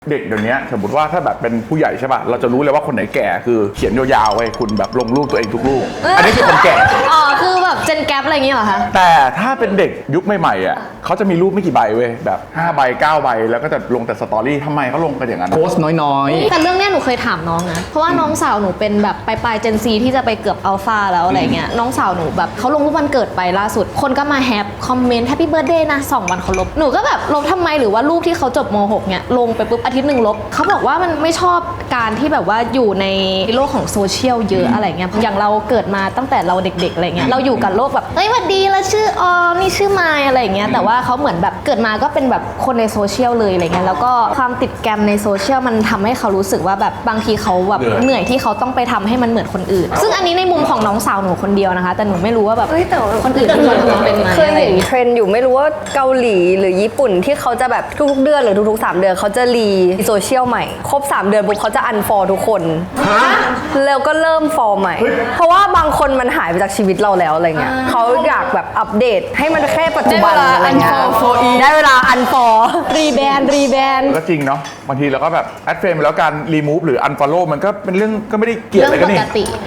เด็กเดี๋ยวนี้สมมติว่าถ้าแบบเป็นผู้ใหญ่ใช่ป่ะเราจะรู้เลยว่าคนไหนแก่คือเขียนยาวๆไว้คุณแบบลงรูปตัวเองทุกรูปอันนี้คือคนแก่อ๋อคือแบบเจนแกปอะไรอย่างเงี้ยเหรอคะแต่ถ้าเป็นเด็กยุคใหม่ๆอ่ะเขาจะมีรูปไม่กี่ใบเว้ยแบบ5ใบ9ใบแล้วก็จะลงแต่สตอรี่ทำไมเขาลงกันอย่างนั้นโพสต์น้อยแต่เรื่องเนี้ยหนูเคยถามน้องนะเพราะว่าน้องสาวหนูเป็นแบบปลายเจนซีที่จะไปเกือบอัลฟาแล้วอะไรเงี้ยน้องสาวหนูแบบเขาลงรูปวันเกิดไปล่าสุดคนก็มาแฮปคอมเมนต์แฮปปี้เบิร์ดเดย์นะ2 วันเขาลบหนูก็แบบลบทำไมหรือว่ารูปที่เขาจบม.6 เนี่ยลงไปปุ๊บอาทิตย์หนึ่งลบเขาบอกว่ามันไม่ชอบการที่แบบว่าอยู่ในโลกของโซเชียลเยอะอะไรเงี้ยอย่างเราเกิดมาตั้งแต่เราเด็กๆอะไรเงี้ยเราอยู่กับโลกแบบเฮ้ยหวัดดีแล้วชื่อออมนี่ชื่อมายอะไรเงี้ยแต่ว่าเขาเหมือนแบบเกิดมาก็เป็นแบบคนในโซเชียลเลยอะไรเงี้ยแล้วก็ความติดแกรมในโซเชียลมันทำให้เขารู้สึกว่าแบบบางทีเขาแบบเหนื่อยที่เขาต้องไปทำให้มันเหมือนคนอื่น ซึ่งอันนี้ในมุมของน้องสาวหนูคนเดียวนะคะแต่หนูไม่รู้ว่าแบบเฮ้ยแต่ว่าคนอื่นที่เขาเป็นไหมเคยเห็นเทรนด์อยู่ไม่รู้ว่าเกาหลีหรือญี่ปุ่นที่เขาจะแบบทุกๆเดือนหรือทุกๆ3 เดือนเขาจะรีโซเชียลใหม่ครบ3 เดือนปุ๊บเขาจะอันฟอลทุกคนแล้วก็เริ่มฟอลใหม่ เพราะว่าบางคนมันหายไปจากชีวิตเราแล้วอะไรเงี้ยเขาอยากแบบอัปเดตให้มันแค่ปัจจุบันอะไรเงี้ยได้เวลาอันฟอลรีแบนก็จริงเนาะบางทีเราก็แบบแอดเฟรมแล้วการรีมูฟหรืออันฟอลโล่มันก็เป็นเรื่องก็ไม่ได้เกลียดอะไรกันนี่เรื่องปกติ